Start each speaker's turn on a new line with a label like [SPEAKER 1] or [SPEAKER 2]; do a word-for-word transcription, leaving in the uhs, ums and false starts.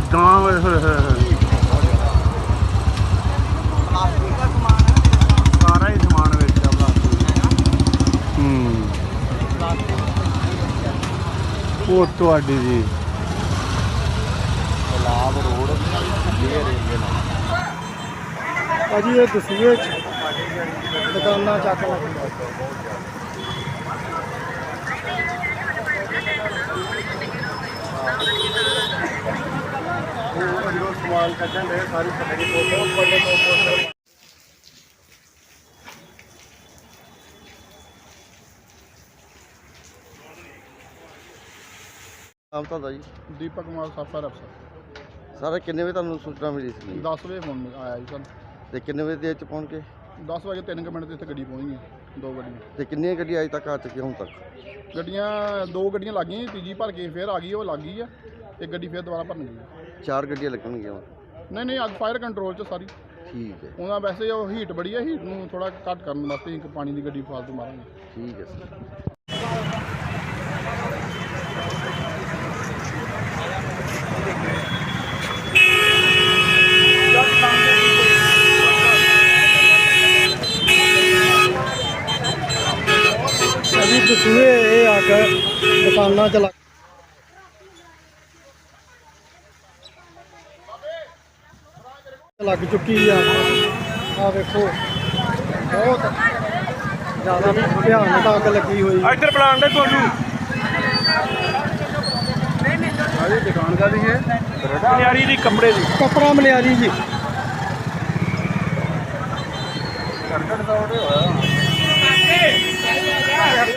[SPEAKER 1] ਗਾਂ ਹੋਏ ਹੋਏ ਹੋਏ ਸਾਰਾ ਹੀ ਸਮਾਨ ਵੇਚਿਆ ਪਲਾਸਟਿਕ। ਹੂੰ ਉਹ ਤੁਹਾਡੀ ਜੀ ਲਾਭ ਰੋਡ ਰੇਲਵੇ ਨਾਲ
[SPEAKER 2] ਭਾਜੀ ਇਹ ਦਸੂਏ ਚ ਦੁਕਾਨਾਂ ਚੱਕ ਲੱਗ
[SPEAKER 1] जो सवाल करते हैं सारी पकड़ी फोटो बड़े फोटो
[SPEAKER 3] ਨਾਮ ਤੁਹਾਡਾ ਜੀ?
[SPEAKER 2] ਦੀਪਕ ਕੁਮਾਰ ਸਾਫਰ ਅਫਸਰ।
[SPEAKER 3] ਸਰ ਕਿੰਨੇ ਵਜੇ ਤੁਹਾਨੂੰ ਸੂਚਨਾ ਮਿਲੀ ਸੀ?
[SPEAKER 2] ਦਸ ਵਜੇ ਫੋਨ ਆਇਆ ਜੀ ਸਾਨੂੰ।
[SPEAKER 3] ਤੇ ਕਿੰਨੇ ਵਜੇ ਦੇ ਵਿੱਚ ਪਹੁੰਚ ਕੇ?
[SPEAKER 2] ਦਸ ਵਜੇ ਤਿੰਨ ਕੁ ਮਿੰਟ 'ਤੇ ਇੱਥੇ ਗੱਡੀ ਪਹੁੰਚ ਗਈ, ਦੋ ਗੱਡੀਆਂ।
[SPEAKER 3] ਤੇ ਕਿੰਨੀਆਂ ਗੱਡੀਆਂ ਅਜੇ ਤੱਕ ਆ ਚੁੱਕੀਆਂ ਹੁਣ ਤੱਕ?
[SPEAKER 2] ਗੱਡੀਆਂ ਦੋ ਗੱਡੀਆਂ ਲੱਗ ਗਈਆਂ, ਤੀਜੀ ਭਰ ਕੇ ਫਿਰ ਆ ਗਈ, ਉਹ ਲੱਗ ਗਈ ਆ। ਇੱਕ ਗੱਡੀ ਫਿਰ ਦੁਬਾਰਾ ਭਰਨ ਗਈ।
[SPEAKER 3] ਚਾਰ ਗੱਡੀਆਂ ਲੱਗਣਗੀਆਂ ਹੁਣ?
[SPEAKER 2] ਨਹੀਂ ਨਹੀਂ, ਅੱਗ ਫਾਇਰ ਕੰਟਰੋਲ 'ਚ ਸਾਰੀ।
[SPEAKER 3] ਠੀਕ ਹੈ,
[SPEAKER 2] ਉਹਨਾਂ ਵੈਸੇ ਉਹ ਹੀਟ ਬੜੀ ਹੈ, ਹੀਟ ਨੂੰ ਥੋੜਾ ਘੱਟ ਕਰਨ ਵਾਸਤੇ ਇੱਕ ਪਾਣੀ ਦੀ ਗੱਡੀ ਫਾਲਤੂ ਮਾਰਾਂਗੇ।
[SPEAKER 3] ਠੀਕ ਹੈ ਸਰ।
[SPEAKER 2] ਅਜੀ ਦਸੂਏ ਇਹ ਅੱਗ ਦੁਕਾਨਾਂ 'ਚ ਲੱਗ ਲੱਗ ਚੁੱਕੀ ਆ। ਆ ਵੇਖੋ ਬਹੁਤ ਜ਼ਿਆਦਾ ਭਿਆਨਕ ਅੱਗ ਲੱਗੀ ਹੋਈ।
[SPEAKER 1] ਇੱਧਰ ਬੁਲਾਉਣ ਦੇ ਤੁਹਾਨੂੰ
[SPEAKER 2] ਸਾਰੀ ਦੁਕਾਨ ਦਾ ਵੀ ਹੈ,
[SPEAKER 1] ਮਨਿਆਰੀ ਦੀ ਕੱਪੜੇ ਦੀ
[SPEAKER 2] ਕੱਪੜਾ ਮਨਿਆਰੀ ਜੀ।
[SPEAKER 1] ਕਰਕਟ ਦਾ ਉਹਦੇ ਹੋਇਆ